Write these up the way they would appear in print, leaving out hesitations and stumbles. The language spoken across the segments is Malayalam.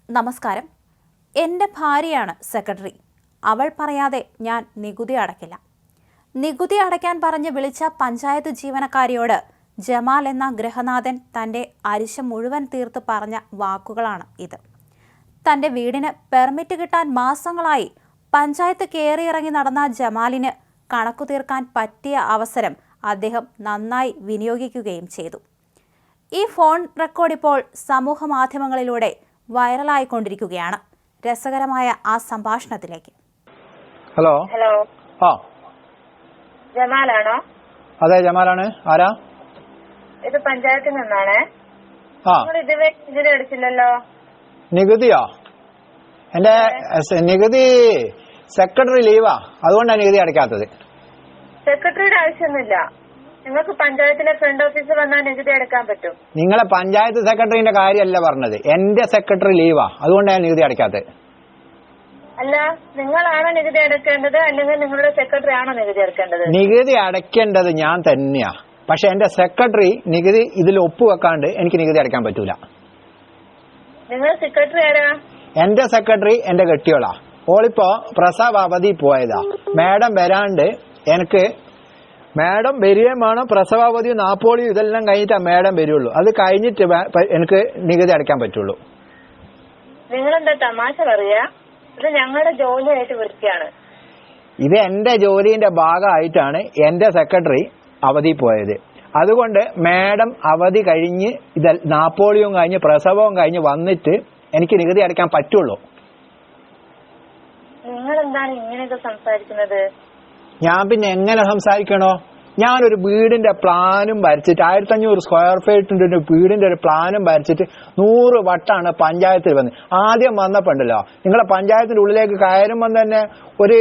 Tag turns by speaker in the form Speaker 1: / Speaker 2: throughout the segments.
Speaker 1: നമസ്കാരം. എൻ്റെ ഭാര്യയാണ് സെക്രട്ടറി. അവൾ പറയാതെ ഞാൻ നികുതി അടയ്ക്കില്ല. നികുതി അടയ്ക്കാൻ പറഞ്ഞ് വിളിച്ച പഞ്ചായത്ത് ജീവനക്കാരിയോട് ജമാൽ എന്ന ഗൃഹനാഥൻ തൻ്റെ അരിശം മുഴുവൻ തീർത്ത് പറഞ്ഞ വാക്കുകളാണ് ഇത്. തൻ്റെ വീടിന് പെർമിറ്റ് കിട്ടാൻ മാസങ്ങളായി പഞ്ചായത്ത് കയറിയിറങ്ങി നടന്ന ജമാലിന് കണക്കു തീർക്കാൻ പറ്റിയ അവസരം അദ്ദേഹം നന്നായി വിനിയോഗിക്കുകയും ചെയ്തു. ഈ ഫോൺ റെക്കോർഡ് ഇപ്പോൾ സമൂഹ മാധ്യമങ്ങളിലൂടെ വൈറലായിക്കൊണ്ടിരിക്കുകയാണ്. രസകരമായ ആ സംഭാഷണത്തിലേക്ക്.
Speaker 2: ഹലോ
Speaker 3: ഹലോ
Speaker 2: ആ
Speaker 3: ജമാലാണോ?
Speaker 2: അതെ, ജമാലാണ്. ആരാ?
Speaker 3: ഇത് പഞ്ചായത്തിൽ നിന്നാണ്.
Speaker 2: ആ
Speaker 3: നിങ്ങൾ ഇതുവരെ നികുതി അടിച്ചില്ലല്ലോ.
Speaker 2: നികുതിയോ? എന്റെ നികുതി സെക്രട്ടറി ലീവാ, അതുകൊണ്ടാണ് നികുതി അടയ്ക്കാത്തത്.
Speaker 3: സെക്രട്ടറിയുടെ ആവശ്യമൊന്നുമില്ല. നിങ്ങൾക്ക് പഞ്ചായത്തിലെ ഫ്രണ്ട് ഓഫീസിൽ വന്നാൽ നികുതി അടയ്ക്കാൻ പറ്റും.
Speaker 2: നിങ്ങളെ പഞ്ചായത്ത് സെക്രട്ടറിന്റെ കാര്യമല്ല പറഞ്ഞത്, എന്റെ സെക്രട്ടറി ലീവാ, അതുകൊണ്ടാണ് നികുതി അടയ്ക്കാത്തത്.
Speaker 3: അല്ല, നിങ്ങളാണോ നികുതി അടയ്ക്കേണ്ടത് അല്ലെങ്കിൽ നിങ്ങളുടെ സെക്രട്ടറി ആണോ നികുതി അടയ്ക്കേണ്ടത്?
Speaker 2: നികുതി അടയ്ക്കേണ്ടത് ഞാൻ തന്നെയാ, പക്ഷെ എന്റെ സെക്രട്ടറി നികുതി ഇതിൽ ഒപ്പുവെക്കാണ്ട് എനിക്ക് നികുതി അടയ്ക്കാൻ പറ്റൂല.
Speaker 3: നിങ്ങൾ സെക്രട്ടറി ആരാ?
Speaker 2: എന്റെ സെക്രട്ടറി എന്റെ കെട്ടിയോളാ. ഓളിപ്പോ പ്രസവ അവധി പോയതാ. മാഡം വരാണ്ട് എനിക്ക് മാഡം വരികയും വേണം. പ്രസവാവധിയും നാപ്പോളിയും ഇതെല്ലാം കഴിഞ്ഞിട്ടാ മാഡം വരുള്ളൂ. അത് കഴിഞ്ഞിട്ട് എനിക്ക് നികുതി അടയ്ക്കാൻ പറ്റുള്ളൂ.
Speaker 3: നിങ്ങളെന്താ തമാശ പറയാ? ഇത് ഞങ്ങളുടെ ജോലിയായിട്ട് വൃത്തിയാണ്.
Speaker 2: ഇത് എന്റെ ജോലിന്റെ ഭാഗമായിട്ടാണ് എന്റെ സെക്രട്ടറി അവധി പോയത്. അതുകൊണ്ട് മാഡം അവധി കഴിഞ്ഞ് ഇത് നാപ്പോളിയും കഴിഞ്ഞ് പ്രസവവും കഴിഞ്ഞ് വന്നിട്ട് എനിക്ക് നികുതി അടയ്ക്കാൻ പറ്റുള്ളൂ.
Speaker 3: നിങ്ങളെന്താണ് ഇങ്ങനെയൊക്കെ സംസാരിക്കുന്നത്?
Speaker 2: ഞാൻ പിന്നെ എങ്ങനെ സംസാരിക്കണോ? ഞാനൊരു വീടിന്റെ പ്ലാനും വരച്ചിട്ട് 1500 സ്ക്വയർ ഫീറ്റിന്റെ ഒരു വീടിന്റെ ഒരു പ്ലാനും വരച്ചിട്ട് 100 വട്ടാണ് പഞ്ചായത്തിൽ വന്ന്. ആദ്യം വന്നപ്പോണ്ടല്ലോ, നിങ്ങളെ പഞ്ചായത്തിന്റെ ഉള്ളിലേക്ക് കയറുമ്പോൾ തന്നെ ഒരു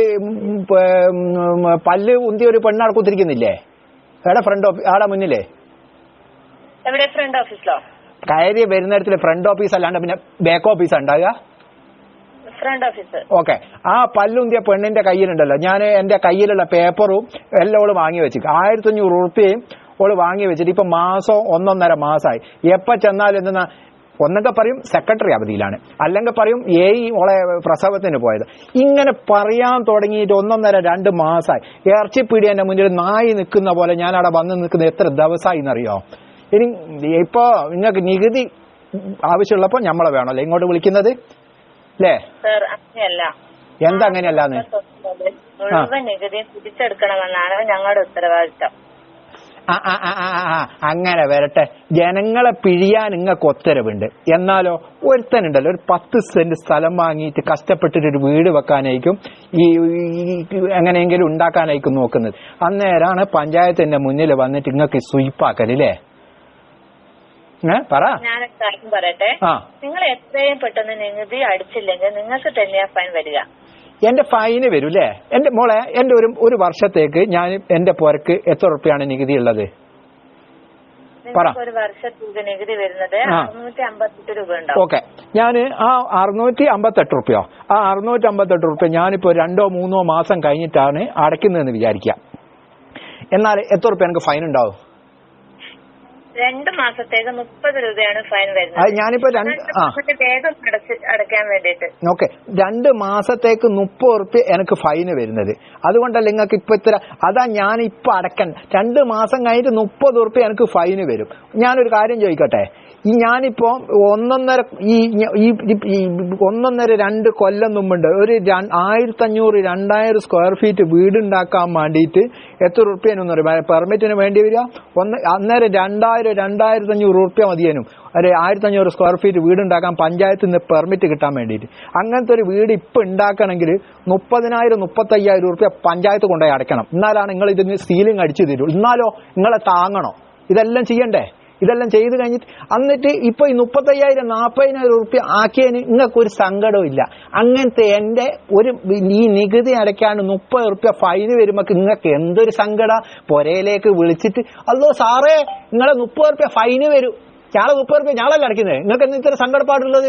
Speaker 2: പല്ല് ഉന്തിയ ഒരു പെണ്ണാൾ കുത്തിരിക്കുന്നില്ലേ? എവിടെ ഫ്രണ്ട് ഓഫീസ്? ആടെ മുന്നിലേ
Speaker 3: എവിടെ? ഫ്രണ്ട് ഓഫീസിലോ?
Speaker 2: കയറി വരുന്നിടത്തിൽ ഫ്രണ്ട് ഓഫീസ് അല്ലാണ്ട് പിന്നെ ബാക്ക് ഓഫീസ് ഉണ്ടാകുക.
Speaker 3: Front office.
Speaker 2: ഓക്കെ. ആ പല്ലുന്തിയ പെണ്ണിന്റെ കയ്യിലുണ്ടല്ലോ, ഞാൻ എന്റെ കയ്യിലുള്ള പേപ്പറും എല്ലാം ഓള് വാങ്ങി വെച്ചിട്ട് 1500 ഉറുപ്പികയും ഓള് വാങ്ങി വെച്ചിട്ട് ഇപ്പൊ മാസം 1.5 മാസമായി. എപ്പോ ചെന്നാലും എന്തെന്നാ, ഒന്നൊക്കെ പറയും സെക്രട്ടറി അവധിയിലാണ്, അല്ലെങ്കിൽ പറയും ഓളെ പ്രസവത്തിന് പോയത്. ഇങ്ങനെ പറയാൻ തുടങ്ങിയിട്ട് 1.5-2 മാസമായി. ഇറച്ചിപ്പീടി എന്റെ മുന്നിൽ നായി നിൽക്കുന്ന പോലെ ഞാൻ അവിടെ വന്ന് നിൽക്കുന്ന എത്ര ദിവസമായി എന്നറിയോ? ഇനി ഇപ്പോ നിങ്ങൾക്ക് നികുതി ആവശ്യമുള്ളപ്പോ നമ്മളെ വേണമല്ലോ ഇങ്ങോട്ട് വിളിക്കുന്നത് അല്ലേ? എന്താ അങ്ങനെയല്ലാന്ന്?
Speaker 3: മുഴുവൻ നികുതി തിരിച്ചെടുക്കണമെന്നാണ് ഞങ്ങളുടെ ഉത്തരവാദിത്തം.
Speaker 2: അങ്ങനെ വരട്ടെ. ജനങ്ങളെ പിഴിയാൻ നിങ്ങൾക്ക് ഉത്തരവുണ്ട്. എന്നാലോ ഒരുത്തനുണ്ടല്ലോ, ഒരു 10 സെന്റ് സ്ഥലം വാങ്ങിയിട്ട് കഷ്ടപ്പെട്ടിട്ട് ഒരു വീട് വെക്കാനായിരിക്കും ഈ എങ്ങനെയെങ്കിലും ഉണ്ടാക്കാനായിരിക്കും നോക്കുന്നത്. അന്നേരാണ് പഞ്ചായത്തിന്റെ മുന്നിൽ വന്നിട്ട് നിങ്ങൾക്ക് സ്വീപ്പാക്കല്ലേ? പറ.
Speaker 3: ഞാനൊരു കാര്യം പറയട്ടെ. നിങ്ങൾ എത്രയും പെട്ടെന്ന് നികുതി അടിച്ചില്ലെങ്കിൽ നിങ്ങൾക്ക് തന്നെയാ ഫൈൻ വരിക.
Speaker 2: എന്റെ ഫൈന് വരും അല്ലേ? എന്റെ മോളെ, എന്റെ ഒരു വർഷത്തേക്ക് ഞാൻ എന്റെ പുരക്ക് എത്ര ഉറുപ്പിയാണ് നികുതി ഉള്ളത്?
Speaker 3: ഒരു വർഷത്തേക്ക് നികുതി വരുന്നത് 658 രൂപ ഉണ്ടാവും.
Speaker 2: ഓക്കെ. ഞാൻ ആ 658 ഉറുപ്പിയോ, ആ 658 ഉറുപ്പ്യ ഞാനിപ്പോ 2-3 മാസം കഴിഞ്ഞിട്ടാണ് അടയ്ക്കുന്നതെന്ന് വിചാരിക്കാം. എന്നാൽ എത്ര ഉറുപ്പ്യ എനിക്ക് ഫൈൻ ഉണ്ടാവും?
Speaker 3: 2 മാസത്തേക്ക് 30 രൂപയാണ് ഫൈൻ വരുന്നത്.
Speaker 2: അത് ഞാനിപ്പോ
Speaker 3: വേഗം അടയ്ക്കാൻ വേണ്ടിട്ട്.
Speaker 2: ഓക്കെ. 2 മാസത്തേക്ക് 30 ഉറുപ്പ്യ എനിക്ക് ഫൈന് വരുന്നത്. അതുകൊണ്ടല്ല നിങ്ങൾക്ക് ഇപ്പൊ ഇത്ര. അതാ ഞാനിപ്പോ അടയ്ക്കാൻ 2 മാസം കഴിഞ്ഞിട്ട് 30 ഉറുപ്പ്യ എനിക്ക് ഫൈന് വരും. ഞാനൊരു കാര്യം ചോദിക്കട്ടെ, ഞാനിപ്പോ 1.5-2 കൊല്ലം മുമ്പുണ്ട് ഒരു 1500-2000 സ്ക്വയർ ഫീറ്റ് വീടുണ്ടാക്കാൻ വേണ്ടിയിട്ട് എത്ര ഉറുപ്പ്യനൊന്നും അറിയാം പെർമിറ്റിന് വേണ്ടി വരിക? അന്നേരം 2000-2500 ഉറുപ്പ്യ മതിയേനും ഒരു 1500 സ്ക്വയർ ഫീറ്റ് വീടുണ്ടാക്കാൻ പഞ്ചായത്തിൽ നിന്ന് പെർമിറ്റ് കിട്ടാൻ വേണ്ടിയിട്ട്. അങ്ങനത്തെ ഒരു വീട് ഇപ്പൊ ഉണ്ടാക്കണമെങ്കിൽ 30,000-35,000 ഉറുപ്പ്യ പഞ്ചായത്ത് കൊണ്ടുപോയി അടയ്ക്കണം. എന്നാലാണ് നിങ്ങൾ ഇതിന് സീലിംഗ് അടിച്ചു തരൂ. എന്നാലോ നിങ്ങളെ താങ്ങണോ? ഇതെല്ലാം ചെയ്യണ്ടേ? ഇതെല്ലാം ചെയ്ത് കഴിഞ്ഞിട്ട് എന്നിട്ട് ഇപ്പൊ ഈ 35,000-40,000 ഉറുപ്പ്യ ആക്കിയതിന് നിങ്ങൾക്കൊരു സങ്കടവും ഇല്ല. അങ്ങനത്തെ എന്റെ ഈ നികുതി അടയ്ക്കാണ്ട് 30 ഉറുപ്പ്യ ഫൈന് വരുമ്പോ നിങ്ങൾക്ക് എന്തൊരു സങ്കട? പുരയിലേക്ക് വിളിച്ചിട്ട് അല്ലോ സാറേ നിങ്ങളെ 30 ഉറുപ്പ്യ ഫൈന് വരും, ഞാളെ 30 ഉറുപ്പ്യ ഞാളല്ല അടയ്ക്കുന്നത്, നിങ്ങൾക്ക് എന്താ ഇത്ര സങ്കടപ്പാടുള്ളത്?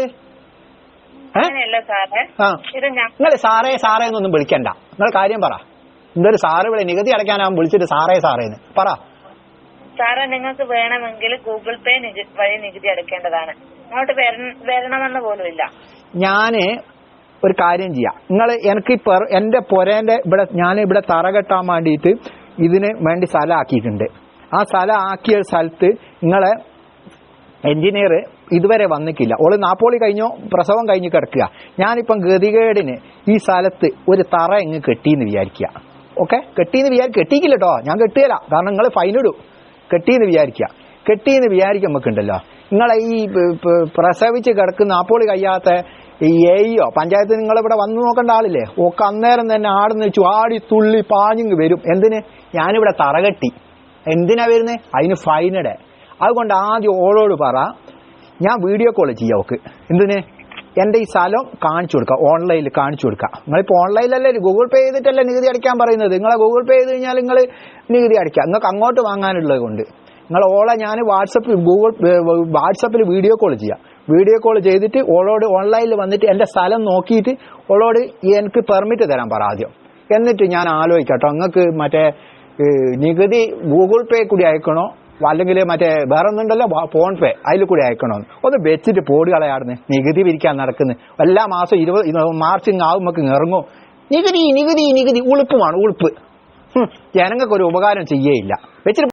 Speaker 2: നിങ്ങൾ സാറേ സാറേ എന്നൊന്നും വിളിക്കണ്ട. നിങ്ങൾ കാര്യം പറ. എന്തൊരു സാറ് വിളി? നികുതി അടയ്ക്കാനാവും വിളിച്ചിട്ട് സാറേ സാറേന്ന് പറ.
Speaker 3: സാറേ നിങ്ങൾക്ക് വേണമെങ്കിൽ ഗൂഗിൾ പേ വഴി നികുതി അടയ്ക്കേണ്ടതാണ്. ഇങ്ങോട്ട് വരണമെന്ന് പോലും ഇല്ല.
Speaker 2: ഞാന് ഒരു കാര്യം ചെയ്യാം, നിങ്ങൾ എനിക്ക് എന്റെ പൊരേന്റെ ഇവിടെ ഞാൻ ഇവിടെ തറ കെട്ടാൻ വേണ്ടിയിട്ട് ഇതിന് വേണ്ടി സ്ഥലം ആക്കിയിട്ടുണ്ട്. ആ സ്ഥലം ആക്കിയ സ്ഥലത്ത് നിങ്ങളെ എഞ്ചിനീയർ ഇതുവരെ വന്നിട്ടില്ല. ഓള് നാപ്പോളി കഴിഞ്ഞോ പ്രസവം കഴിഞ്ഞ് കിടക്കുക. ഞാനിപ്പം ഗതികേടിന് ഈ സ്ഥലത്ത് ഒരു തറ എങ്ങ് കെട്ടിന്ന് വിചാരിക്കുക. ഓക്കെ, കെട്ടിക്കില്ല കേട്ടോ, ഞാൻ കെട്ടുകയില്ല, കാരണം നിങ്ങൾ ഫൈനിടും. കെട്ടിന്ന് വിചാരിക്കുമ്പോണ്ടല്ലോ നിങ്ങളെ ഈ പ്രസവിച്ച് കിടക്കുന്ന നാപ്പോളി കഴിയാത്ത ഈ എയോ പഞ്ചായത്ത് നിങ്ങളിവിടെ വന്നു നോക്കേണ്ട ആളില്ലേ, ഒക്കെ അന്നേരം തന്നെ ആടുന്ന് ചാടി തുള്ളി പാഞ്ഞിങ് വരും. എന്തിന്? ഞാനിവിടെ തറ കെട്ടി. എന്തിനാ വരുന്നത്? അതിന് ഫൈനിടെ. അതുകൊണ്ട് ആദ്യം ഓളോട് പറ, ഞാൻ വീഡിയോ കോൾ ചെയ്യാം ഓക്ക്. എന്തിന്? എന്റെ ഈ സ്ഥലം കാണിച്ചു കൊടുക്കാം, ഓൺലൈനിൽ കാണിച്ചു കൊടുക്കാം. നിങ്ങളിപ്പോൾ ഓൺലൈനിലല്ലേ ഗൂഗിൾ പേ ചെയ്തിട്ടല്ലേ നികുതി അടയ്ക്കാൻ പറയുന്നത്. നിങ്ങളെ ഗൂഗിൾ പേ ചെയ്ത് കഴിഞ്ഞാൽ നിങ്ങൾ നികുതി അടയ്ക്കാം. നിങ്ങൾക്ക് അങ്ങോട്ട് വാങ്ങാനുള്ളത് കൊണ്ട് നിങ്ങൾ ഓളെ ഞാൻ വാട്സപ്പിൽ വീഡിയോ കോൾ ചെയ്യാം. വീഡിയോ കോൾ ചെയ്തിട്ട് ഓളോട് ഓൺലൈനിൽ വന്നിട്ട് എന്റെ സ്ഥലം നോക്കിയിട്ട് ഓളോട് എനിക്ക് പെർമിറ്റ് തരാൻ പറ ആദ്യം. എന്നിട്ട് ഞാൻ ആലോചിക്കട്ടോ, നിങ്ങൾക്ക് മറ്റേ നികുതി ഗൂഗിൾ പേ കൂടി അയക്കണോ അല്ലെങ്കിൽ മറ്റേ വേറെ ഒന്നുണ്ടല്ലോ ഫോൺ പേ, അതിൽ കൂടി അയക്കണോ ഒന്ന് വെച്ചിട്ട് പോടി കളയാടുന്ന്. നികുതി പിരിക്കാൻ നടക്കുന്നത് എല്ലാ മാസം 20 മാർച്ച് ആവുമ്പോ ഇറങ്ങും. നികുതി ഉളുപ്പുമാണ്, ഉളുപ്പ്. ജനങ്ങൾക്ക് ഒരു ഉപകാരം ചെയ്യേയില്ല വെച്ചിട്ട്